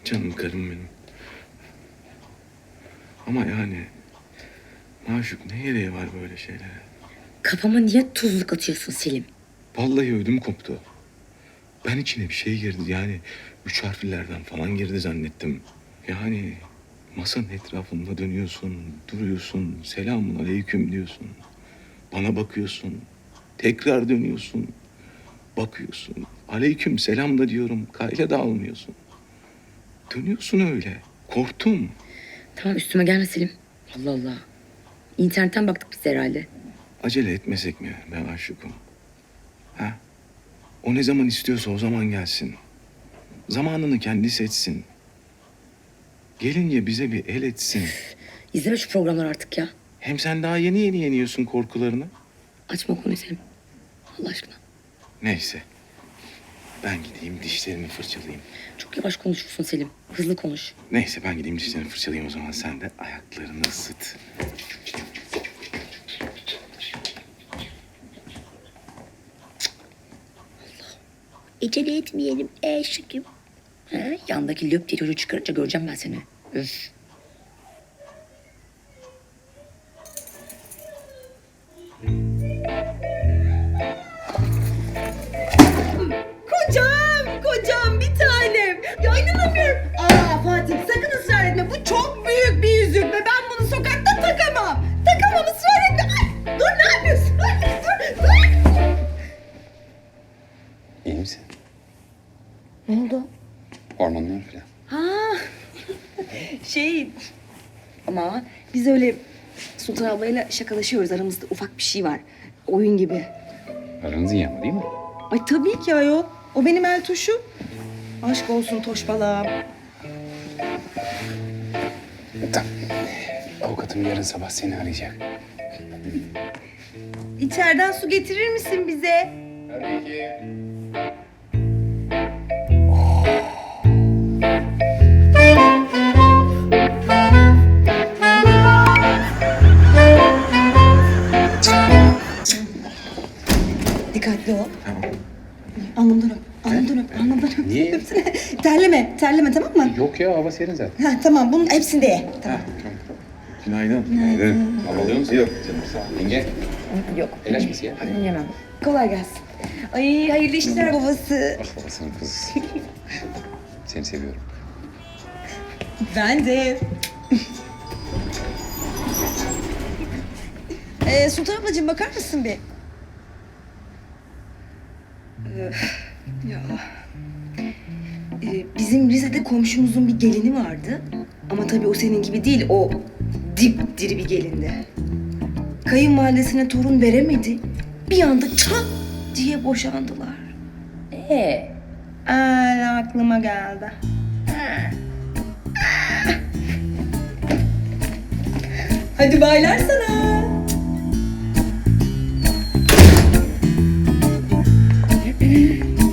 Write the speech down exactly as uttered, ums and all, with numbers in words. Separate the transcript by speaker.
Speaker 1: Canım karım benim. Ama yani maşuk ne gereği var böyle şeylere?
Speaker 2: Kafama niye tuzluk atıyorsun Selim?
Speaker 1: Vallahi ödüm koptu. Ben içine bir şey girdi yani üç harflerden falan girdi zannettim. Yani masanın etrafında dönüyorsun, duruyorsun, selamun aleyküm diyorsun. Bana bakıyorsun, tekrar dönüyorsun, bakıyorsun. Aleyküm selam da diyorum, kayla da almıyorsun. Dönüyorsun öyle. Korktum.
Speaker 2: Tamam üstüme gelme Selim. Allah Allah. İnternetten baktık biz herhalde.
Speaker 1: Acele etmesek mi ben aşıkım? Ha? O ne zaman istiyorsa o zaman gelsin. Zamanını kendi seçsin. Gelince bize bir el etsin.
Speaker 2: İzleme şu programları artık ya.
Speaker 1: Hem sen daha yeni yeni yeniyorsun korkularını.
Speaker 2: Açma o konuyu Selim. Allah aşkına.
Speaker 1: Neyse. Ben gideyim dişlerimi fırçalayayım.
Speaker 2: Çok yavaş konuşuyorsun Selim. Hızlı konuş.
Speaker 1: Neyse ben gideyim dişlerimi fırçalayayım o zaman. Sen de ayaklarını ısıt.
Speaker 2: Acele etmeyelim eşekim. He, yandaki löp diye çocuğu çıkarınca göreceğim ben seni. Üf.
Speaker 3: Kocam, kocam bir tanem. Ya inanamıyorum. Aa Fatih sakın ısrar etme. Bu çok büyük bir yüzük ve ben bunu sokakta takamam. Takamam ısrar etme. Ay, dur ne yapıyorsun? Ay, dur, dur.
Speaker 4: İyi misin?
Speaker 2: Ne oldu?
Speaker 4: Hormonlar falan.
Speaker 3: Ha, şey ama biz öyle Sultan ablayla şakalaşıyoruz. Aramızda ufak bir şey var. Oyun gibi.
Speaker 4: Aranız iyi ama değil mi?
Speaker 3: Ay tabii ki ayol. O benim el tuşu. Aşk olsun toşbalağım.
Speaker 4: Tamam. Avukatım yarın sabah seni arayacak.
Speaker 3: İçeriden su getirir misin bize?
Speaker 4: Tabii ki.
Speaker 3: Dikkatli ol.
Speaker 1: Tamam.
Speaker 3: Alnımdan öp. Alnımdan öp. Alnımdan öp.
Speaker 4: Niye?
Speaker 3: Öpsene. Terleme. Terleme tamam mı?
Speaker 4: Yok ya hava serin zaten.
Speaker 3: Ha, tamam bunun hepsini de ye. Tamam.
Speaker 1: Günaydın.
Speaker 4: Günaydın. Hava alıyor musun?
Speaker 1: Yok canım sağ ol.
Speaker 4: Yenge.
Speaker 3: Yok.
Speaker 4: El açması ya.
Speaker 3: Yemem. Kolay gelsin. Ay hayırlı işler babası.
Speaker 4: Ah babasının kızı. Seni seviyorum.
Speaker 3: Ben de. ee, Sultan ablacığım bakar mısın bir? Öf, ya. Ee, bizim Rize'de komşumuzun bir gelini vardı. Ama tabii o senin gibi değil. O dipdiri bir gelindi. Kayınvalidesine torun veremedi. Bir anda çat diye boşandılar.
Speaker 2: Ee,
Speaker 3: Aa, aklıma geldi. Hadi baylar sana.